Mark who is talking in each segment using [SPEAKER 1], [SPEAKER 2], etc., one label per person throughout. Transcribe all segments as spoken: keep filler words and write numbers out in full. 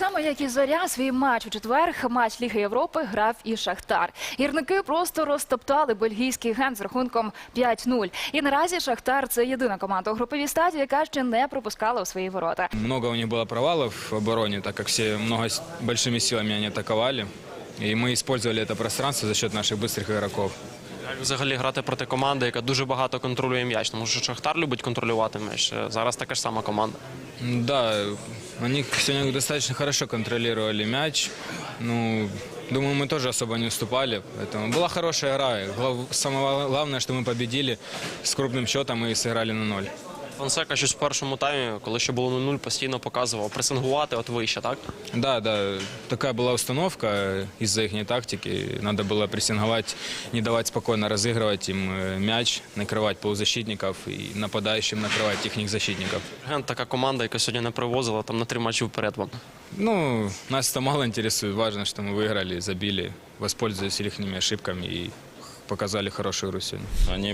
[SPEAKER 1] само як і Зоря, свій матч у четвер, матч Ліги Європи, грав і Шахтар. Гірники просто розтоптали бельгійський Гент з рахунком п'ять нуль. І наразі Шахтар – це єдина команда у груповій стадії, яка ще не пропускала у свої ворота.
[SPEAKER 2] Много у них было провалов в обороне, так как все много с большими силами они атаковали. И мы использовали это пространство за счет наших быстрых игроков.
[SPEAKER 3] Як взагалі грати проти команди, яка дуже багато контролює м'яч? Тому що Шахтар любить контролювати м'яч. Зараз така ж сама команда.
[SPEAKER 2] Да, они сегодня достаточно хорошо контролировали мяч. Ну, думаю, мы тоже особо не уступали. Поэтому была хорошая игра. Глав- Самое главное, что мы победили с крупным счетом и сыграли на ноль.
[SPEAKER 3] Фонсека щось в першому таймі, коли ще було нуль нуль, постійно показував. Пресингувати от вище, так?
[SPEAKER 2] Да, да, такая была установка из-за их тактики. Надо было прессинговать, не давать спокойно разыгрывать им э, мяч, накрывать полузащитников и нападающим накрывать их защитников.
[SPEAKER 3] Гент така команда, яка сьогодні не привозила там на три матчі вперед вам.
[SPEAKER 2] Ну, нас это мало интересует. Важно, что мы выиграли, забили, воспользовались их ошибками и показали хорошую игру сегодня.
[SPEAKER 4] Они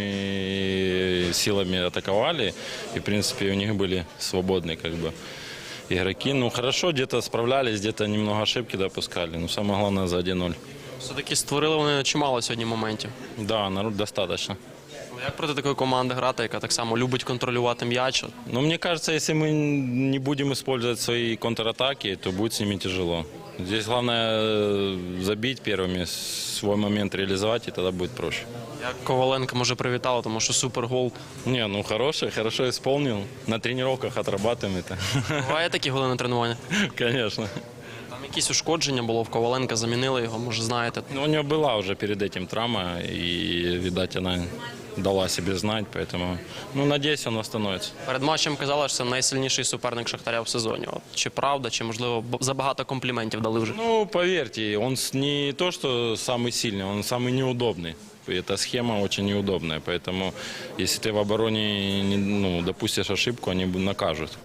[SPEAKER 4] большими силами атаковали, и, в принципе, у них были свободные как бы игроки. Ну, хорошо, где-то справлялись, где-то немного ошибки допускали. Но самое главное, за один ноль.
[SPEAKER 3] Все-таки створили вони чимало сьогодні моментів.
[SPEAKER 4] Да, народ достаточно.
[SPEAKER 3] Як проти такої команди грати, яка так само любить контролювати м'яч?
[SPEAKER 4] Но мне кажется, если мы не будем использовать свои контратаки, то будет с ними тяжело. Здесь главное э, забить первыми, свой момент реализовать, и тогда будет проще.
[SPEAKER 3] Як Коваленко, може, привітала, тому що супергол.
[SPEAKER 4] Не, ну хороший, хорошо исполнил. На тренировках отрабатываем это.
[SPEAKER 3] Буває такі голи на тренуванні?
[SPEAKER 4] Конечно.
[SPEAKER 3] Там якісь ушкодження було в Коваленка, замінили його, може, знаєте.
[SPEAKER 4] Ну, у него была уже перед этим травма, и, видать, она дала себе знать, поэтому, ну, надеюсь, он восстановится.
[SPEAKER 3] Перед матчем казали, що це найсильніший суперник Шахтаря в сезоні. От, чи правда, чи, можливо, б- забагато компліментів дали вже?
[SPEAKER 4] Ну, поверьте, он с- не то, что самый сильный, он самый неудобный. Эта схема очень неудобная, поэтому, если ты в обороне не, ну, допустишь ошибку, они накажут.